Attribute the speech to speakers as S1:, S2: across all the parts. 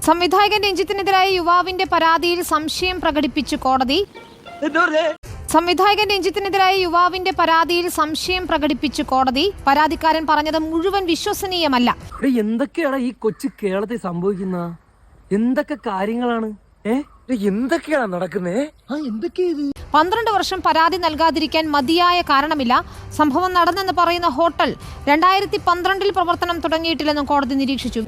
S1: സംവിധായകൻ രഞ്ജിത്തിനെതിരായ യുവാവിന്റെ പരാതിയിൽ സംശയം പ്രകടിപ്പിച്ചു കോടതി. സംവിധായകൻ രഞ്ജിത്തിനെതിരായ യുവാവിന്റെ പരാതിയിൽ സംശയം പ്രകടിപ്പിച്ചു കോടതി. പരാതിക്കാരൻ പറഞ്ഞത് മുഴുവൻ വിശ്വസനീയമല്ല.
S2: എന്തൊക്കെയാണ് ഈ കൊച്ചു കേരളത്തിൽ സംഭവിക്കുന്ന? എന്തൊക്കെ കാര്യങ്ങളാണ്? എന്തൊക്കെയാണ് നടക്കുന്നേ?
S1: 12 വർഷം പരാതി നൽകാതിരിക്കാൻ മതിയായ കാരണമില്ല. സംഭവം നടന്നെന്ന് പറയുന്ന ഹോട്ടൽ 2012 പ്രവർത്തനം തുടങ്ങിയിട്ടില്ലെന്നും കോടതി നിരീക്ഷിച്ചു.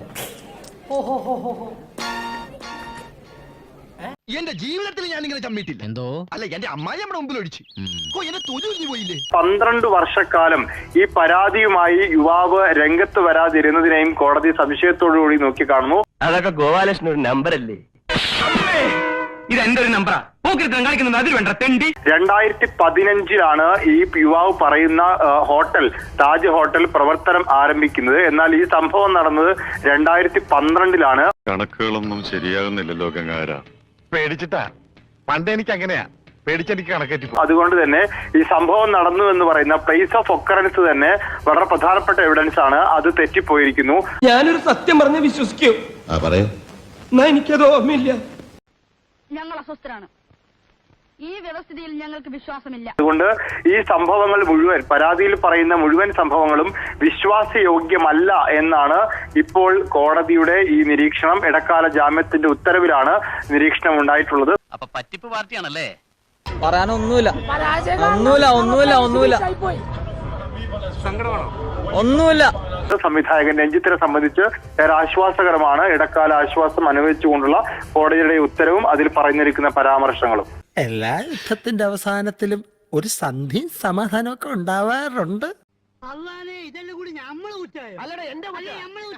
S3: എന്റെ ജീവിതത്തിൽ ഞാൻ ഇങ്ങനെ ചമ്മിട്ടില്ല. എന്തോ അല്ല, എന്റെ അമ്മായി നമ്മുടെ മുമ്പിൽ ഒഴിച്ചു. എന്നെ തൊഴിൽ പോയില്ലേ?
S4: 12 വർഷക്കാലം ഈ പരാതിയുമായി യുവാവ് രംഗത്ത് വരാതിരുന്നതിനെയും കോടതി സംശയത്തോടുകൂടി നോക്കിക്കാണുന്നു.
S5: അതൊക്കെ ഗോപാലകൃഷ്ണൻ ഒരു നമ്പറല്ലേ? ഇത് എന്റെ ഒരു നമ്പറാ. കാണിക്കുന്നത് അതിൽ വേണ്ട തെണ്ടി.
S4: 2015 ഈ യുവാവ് പറയുന്ന ഹോട്ടൽ താജ് ഹോട്ടൽ പ്രവർത്തനം ആരംഭിക്കുന്നത്. എന്നാൽ ഈ സംഭവം നടന്നത് 2012
S6: കണക്കുകളൊന്നും ശരിയാകുന്നില്ലല്ലോ ഗംഗാര. പേടിച്ചിട്ടാ. പണ്ട് എനിക്ക് അങ്ങനെയാ, പേടിച്ചെനിക്ക് കണക്കേറ്റി.
S4: അതുകൊണ്ട് തന്നെ ഈ സംഭവം നടന്നു എന്ന് പറയുന്ന പ്ലേസ് ഓഫ് ഒക്കറൻസ് തന്നെ വളരെ പ്രധാനപ്പെട്ട എവിഡൻസ് ആണ്. അത് തെറ്റിപ്പോയിരിക്കുന്നു.
S2: ഞാനൊരു സത്യം പറഞ്ഞ് വിശ്വസിക്കൂ. എനിക്കത് ഓർമ്മയില്ല.
S7: ഞങ്ങൾ അസ്വസ്ഥരാണ്. ഈ വ്യവസ്ഥിതിയിൽ ഞങ്ങൾക്ക് വിശ്വാസമില്ല.
S4: അതുകൊണ്ട് ഈ സംഭവങ്ങൾ മുഴുവൻ, പരാതിയിൽ പറയുന്ന മുഴുവൻ സംഭവങ്ങളും വിശ്വാസയോഗ്യമല്ല എന്നാണ് ഇപ്പോൾ കോടതിയുടെ ഈ നിരീക്ഷണം. ഇടക്കാല ജാമ്യത്തിന്റെ ഉത്തരവിലാണ് നിരീക്ഷണം ഉണ്ടായിട്ടുള്ളത്.
S5: അപ്പൊ പറ്റിപ്പ് പാർട്ടിയാണല്ലേ?
S2: പറയാനൊന്നുമില്ല. ഒന്നുമില്ല.
S4: സംവിധായകൻ രഞ്ജിത്തിനെ സംബന്ധിച്ച് ഏറെ ആശ്വാസകരമാണ് ഇടക്കാല ആശ്വാസം അനുവദിച്ചുകൊണ്ടുള്ള കോടതിയുടെ ഉത്തരവും അതിൽ പറഞ്ഞിരിക്കുന്ന പരാമർശങ്ങളും.
S8: എല്ലാ യുദ്ധത്തിന്റെ അവസാനത്തിലും ഒരു സന്ധിയും സമാധാനമൊക്കെ ഉണ്ടാവാറുണ്ട്.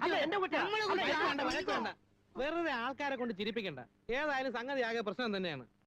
S2: വെറുതെ ആൾക്കാരെ കൊണ്ട് ചിരിപ്പിക്കണ്ട. ഏതായാലും സംഗതി ആകെ പ്രശ്നം തന്നെയാണ്.